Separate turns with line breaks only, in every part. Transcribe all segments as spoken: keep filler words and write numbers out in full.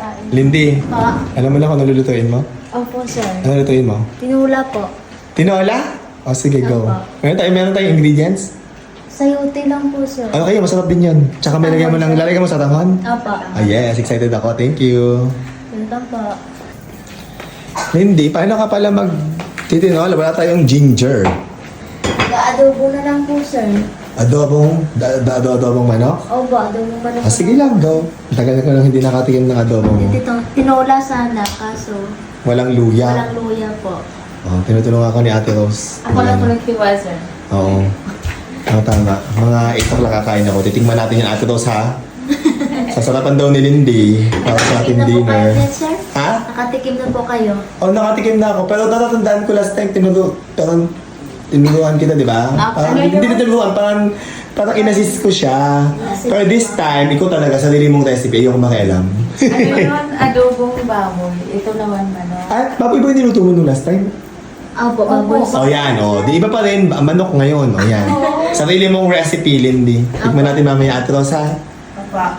kain.
Lindy,
Pa.
alam mo na kung ano lulutuin mo?
Opo, sir.
Ano lulutuin mo?
Tinula po.
Tinola? O sige, go.
Apa.
Meron tayo, meron tayong ingredients?
Sayote lang po, sir.
Ano kayo, masarap din yun. Tsaka may lagyan mo ng, lalagyan mo sa tahon?
Apa.
Ah yes, excited ako. Thank you.
Welcome po.
Lindy, paano ka pala mag titinola? Wala tayong ginger.
Ga-adobo na lang po, sir.
Adobong, da, da, ado- adobong manok?
Opo, adobo pa na.
Ah, sige lang, go. Tagal ko lang hindi nakatikim ng adobong.
Ito, tinola sana, kaso
Walang luya.
walang luya po.
Oh, tinutulungan ako ni Ate Rose.
Ako lang po
Ayan.
nagtiwa, sir.
Oo. Oh, tama. Mga itak lang kakain ako. Titingnan natin yung Ate Rose, ha? Sasarapan daw ni Lindy para sa ating
Nakatikim na po kayo,
dinner.
net, sir?
Ha?
Nakatikim na po kayo.
Oh, nakatikim na ako. Pero natatandaan ko last time, tinuro, parang tinuruan kita, di ba?
Ah,
Parang,
ano yun?
hindi na tinuruan, parang, parang inassist ko siya. Pero this time, ikaw talaga, sarili mong recipe, ayoko makialam.
Ano yun? Adobong baboy. Ito naman, ano.
At, baboy ba yung niluto mo nung last time?
Opo, opo.
O yan, o. Di iba pa rin, ba- manok ngayon, o yan. Sarili mong recipe, Lindy. Tikman natin mamaya, Ate Rose, ha?
Papa.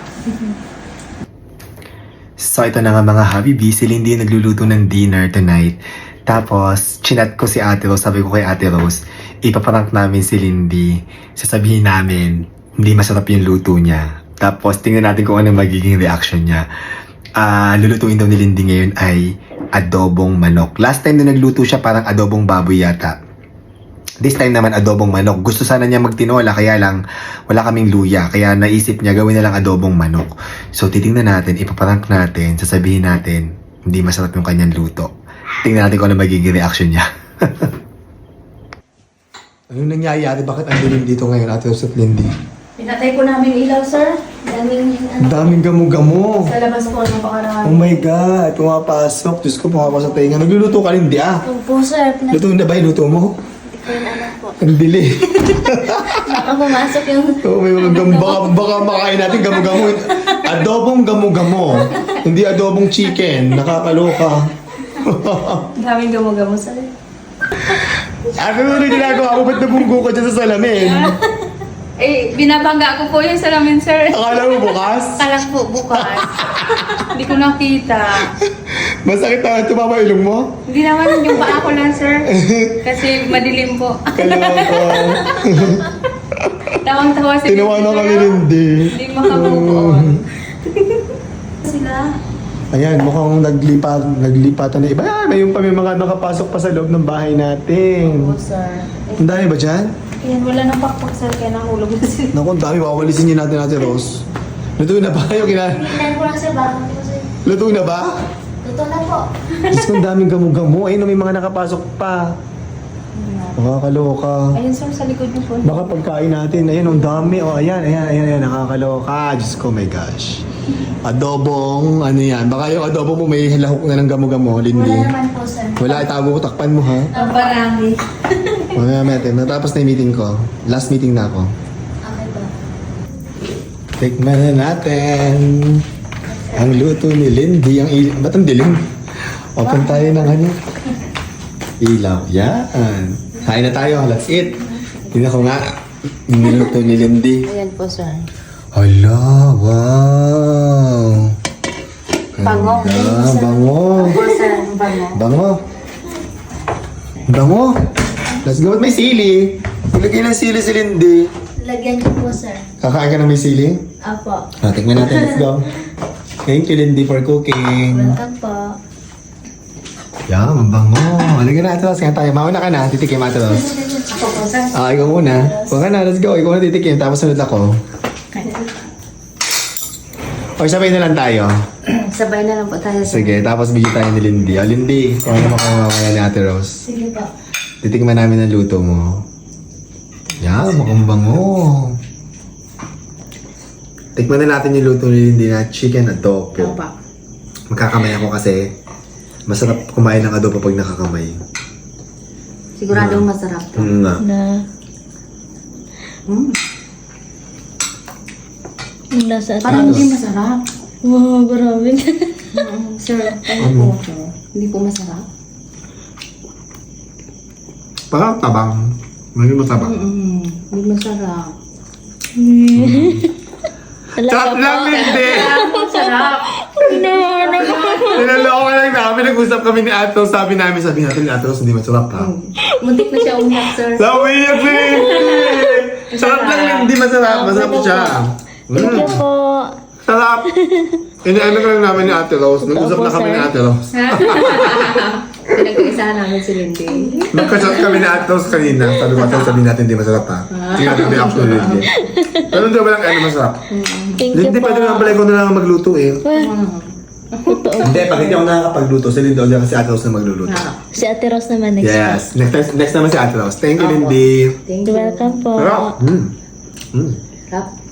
So ito na nga mga habibi, si Lindy yung nagluluto ng dinner tonight. Tapos, chinat ko si Ate Rose, sabi ko kay Ate Rose, ipaprank namin si Lindy. Sasabihin namin, hindi masarap yung luto niya. Tapos, tingnan natin kung ano magiging reaction niya. Ah, lulutuin daw ni Lindy ngayon ay adobong manok. Last time na nagluto siya, parang adobong baboy yata. This time naman adobong manok. Gusto sana niya magtinola kaya lang wala kaming luya. Kaya naisip niya gawin na lang adobong manok. So titingnan natin, ipaprank natin, sasabihin natin hindi masarap yung kanyang luto. Tingnan natin kung ano magiging reaction niya. Ano nangyayari? Bakit ang dilim dito ngayon, Ate Rose at Lindy?
Pinatay po namin ilaw, sir.
Daming
Ang
ano.
daming gamo-gamo.
Sa labas po,
Oh
ano pakarami.
my God, pumapasok. Diyos ko, pumapasok tayo nga. Nagluluto ka, Lindy ah.
Opo, sir. Pinag-
Luto na ba yung luto mo?
Hindi ko yun alam po.
Ang dili.
Baka pumasok yung...
Oo, may mga gam, baka, baka makain natin gamo-gamo. Adobong gamo-gamo. Hindi adobong chicken. Nakakaloka.
Daming gamo-gamo, sir.
Ano mo na ginagawa mo? Ba't nabunggo ka dyan sa salamin?
Eh, binabangga ko po yung salamin, sir.
Akala mo bukas?
Kalang po bukas. Hindi ko nakita.
Masakit na tumama ilong mo?
Hindi naman yung paa ko lang, sir. Kasi madilim po.
Kaloka.
Tawang-tawa si
Tinawanan kami
sir.
Lindy.
Hindi makabuo on. Sila.
Ayan, mukhang naglipat, naglipatan na iba. Ay, may yung pa may mga nakapasok pa sa loob ng bahay natin.
Oo, sir.
Ang dami ba dyan?
Yan, wala nang pakpak, sir. Kaya nahulog na sila.
Naku, ang dami. Wawalisin niyo natin natin, Rose. Luto na ba? Yung kina...
Tingnan ko lang, sir. Baka hindi ko, sir.
Luto na ba?
Totoo na po.
Diyos ko, ang daming gamo-gamo. Ayun, may mga nakapasok pa. Nakakaloka.
Ayun, sir, sa likod niyo po.
Baka pagkain natin. Ayun, ang dami. Oh, ayan, ayan, ayan, ayan. Nakakaloka. Diyos ko, my gosh. Adobong, ano yan. Baka yung adobo mo may lahok na ng gamo-gamo, Lindy.
Wala naman po, sir.
Wala, itago ko. Takpan mo, ha?
Ang barami.
Mamaya natin. Natapos na yung meeting ko. Last meeting na ako.
Okay ba?
Tikman na natin. Ang luto ni Lindy. Ang il- Ba't ang dilim? Open tayo ng ano? Ilaw. Yan. Kain na tayo. Let's eat. Tingnan ko nga. Yung niluto ni Lindy.
Ayan po, sir.
Hala, wow.
Bango.
Ganda, bango.
Po, sir. Bango.
Bango. Bango. Let's go. Ba't may sili? Ilagay ng sili si Lindy.
Lagyan niyo po, sir.
Kakain ka ng may sili?
Apo.
Ah, tingnan natin. Let's go. Thank you, Lindy, for cooking.
Welcome po.
Yeah, mabango. Halika na, Ate Rose. Kaya tayo. Mauna ka na. Titikim, Ate Rose.
Ako po, sir.
Ah, ikaw muna. Huwag ka na. Let's go. Ikaw na titikim. Tapos sunod ako. O, sabay na lang tayo.
Sabay na lang po tayo, sir.
Sige, tapos video tayo ni Lindy. O, Lindy, kung ano makakawa mamaya ni Ate Rose.
Sige po.
Titikman namin ang luto mo. Yeah, mukhang bango. Tikman na natin yung luto ni Lindy na chicken adobo.
Opo.
Magkakamay ako kasi masarap kumain ng adobo pag nakakamay.
Siguradong masarap to.
Mm, nga.
Na.
Mm.
Ang lasa at
Parang hindi masarap.
wow, grabe.
Mm, sir, ano po ito? Hindi po masarap.
Parang tabang. Maging matabang.
Mm, hindi masarap.
Sarap lang, Lindy!
Masarap.
Hinahanap
Sabi, nag-usap kami ni Ate Rose, sabi namin, sabi natin ni Ate Rose, hindi masarap ha.
Muntik na siya umiyak, sir.
Sabi niya, Lindy! Sarap lang, hindi masarap. Masarap siya.
Thank you
Mm.
po.
Sarap! Ini-ano ka lang namin ni Ate Rose. Nag-usap na kami ni Ate Rose.
Pinag-iisahan namin si Lindy.
Nagka-chat kami ni Ate Rose kanina. Sabi ko, Ate Rose, sabihin natin hindi masarap ha. Tingnan natin reaction ni Lindy. Pero hindi ba lang ano masarap?
Thank you
Lindy,
po.
pwede naman pala ikaw na lang magluto eh.
Totoo.
Hindi, pag hindi ako nakakapagluto, si Lindy ulit kasi Ate Rose na magluluto.
Si Ate Rose naman next
Yes. Next, next naman si Ate Rose. Thank you, Lindy.
Thank
You're
you.
welcome po.
Sarap. Mm. Mm.
Sarap.